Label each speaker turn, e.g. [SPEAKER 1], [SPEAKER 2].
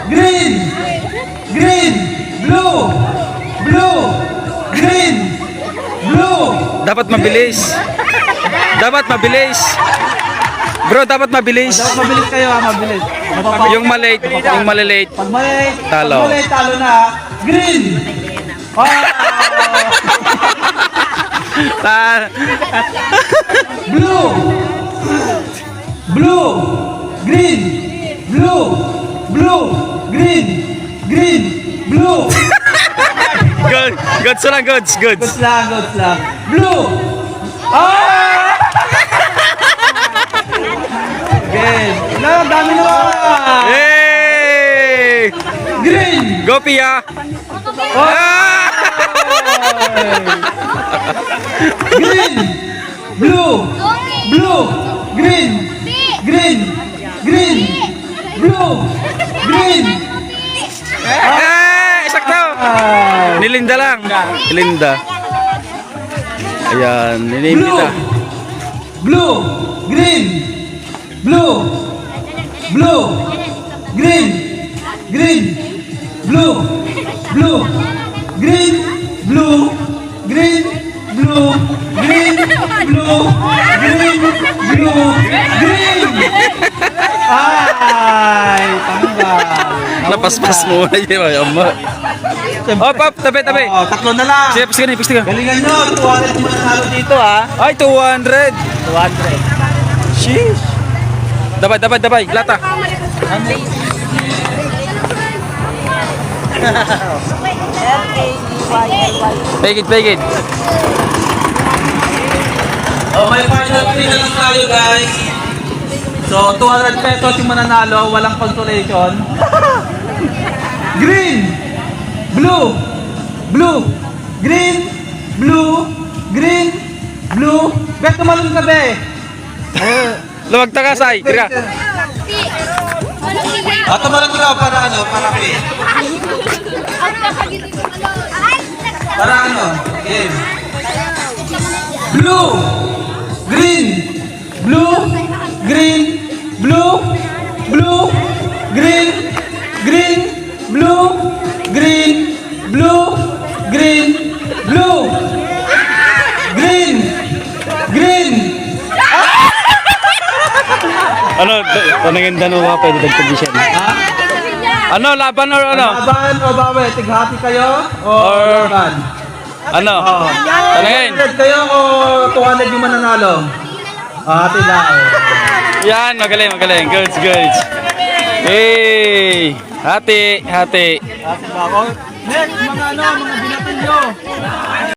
[SPEAKER 1] green, green, blue, blue, green, blue.
[SPEAKER 2] Dapat mabilis. Dapat mabilis. Bro, dapat mabilis.
[SPEAKER 1] Dapat mabilis kayo ha, mabilis.
[SPEAKER 2] Yung malate, yung malilate.
[SPEAKER 1] Pag malate,
[SPEAKER 2] Talo.
[SPEAKER 1] Pag malate, talo na. Green. Oh. Blue. Blue. Green. Blue. Blue. Green. Green. Blue.
[SPEAKER 2] Good. Goods lang, goods. Goods.
[SPEAKER 1] Goods lang, goods lang. Blue. Ah! Green. Wala, dami naman.
[SPEAKER 2] Hey!
[SPEAKER 1] Green.
[SPEAKER 2] Go, Pia.
[SPEAKER 1] Oh.
[SPEAKER 2] Ah!
[SPEAKER 1] Green. Blue. Blue. Green. Green. Green. Blue. Green.
[SPEAKER 2] Eh, sakto. Nilinda lang. Nilinda. Ayan,
[SPEAKER 1] Blue.
[SPEAKER 2] ninimita.
[SPEAKER 1] Blue. Green. Blue. Blue. Green. Green. Blue. Blue. Green. Blue. Green. Blue. Green. Blue. Green. Blue. Green. Ay, tangga.
[SPEAKER 2] Napaspas mo na yun. Oh, pop, tabi, tabi.
[SPEAKER 1] Oh, tatlo na lang.
[SPEAKER 2] Sige, piste ka na, piste ka.
[SPEAKER 1] Galingan nyo. 200 mo nanalo dito ha.
[SPEAKER 2] Ay, 200.
[SPEAKER 1] 200.
[SPEAKER 2] Sheesh. Dabay, dabay, dabay. Lata. Take it, take it.
[SPEAKER 1] Oh, may final three na lang tayo guys. So, 200 pesos yung mananalo, walang consolation. Green, blue, blue, green, blue, green, blue. Bet tumalon ka be.
[SPEAKER 2] Lumagta ka, Sai. Kira.
[SPEAKER 1] Tumalon ka para ano, para pay. Para ano, game. Blue, green, blue, green, blue, blue, green, green, blue, green, blue, green, blue, green, green.
[SPEAKER 2] Ano, panangin dalawa pwede dagtagis yan. Ano, laban or ano?
[SPEAKER 1] Laban o bawi? Tighati kayo o
[SPEAKER 2] Or-
[SPEAKER 1] laban?
[SPEAKER 2] Ano? Panangin.
[SPEAKER 1] 100 kayo o 200 yung mananalo? Hati lang.
[SPEAKER 2] Yan, magaling, magaling. Goods, goods. Hey! Hati, hati.
[SPEAKER 1] Next, mga ano, mga binatin nyo.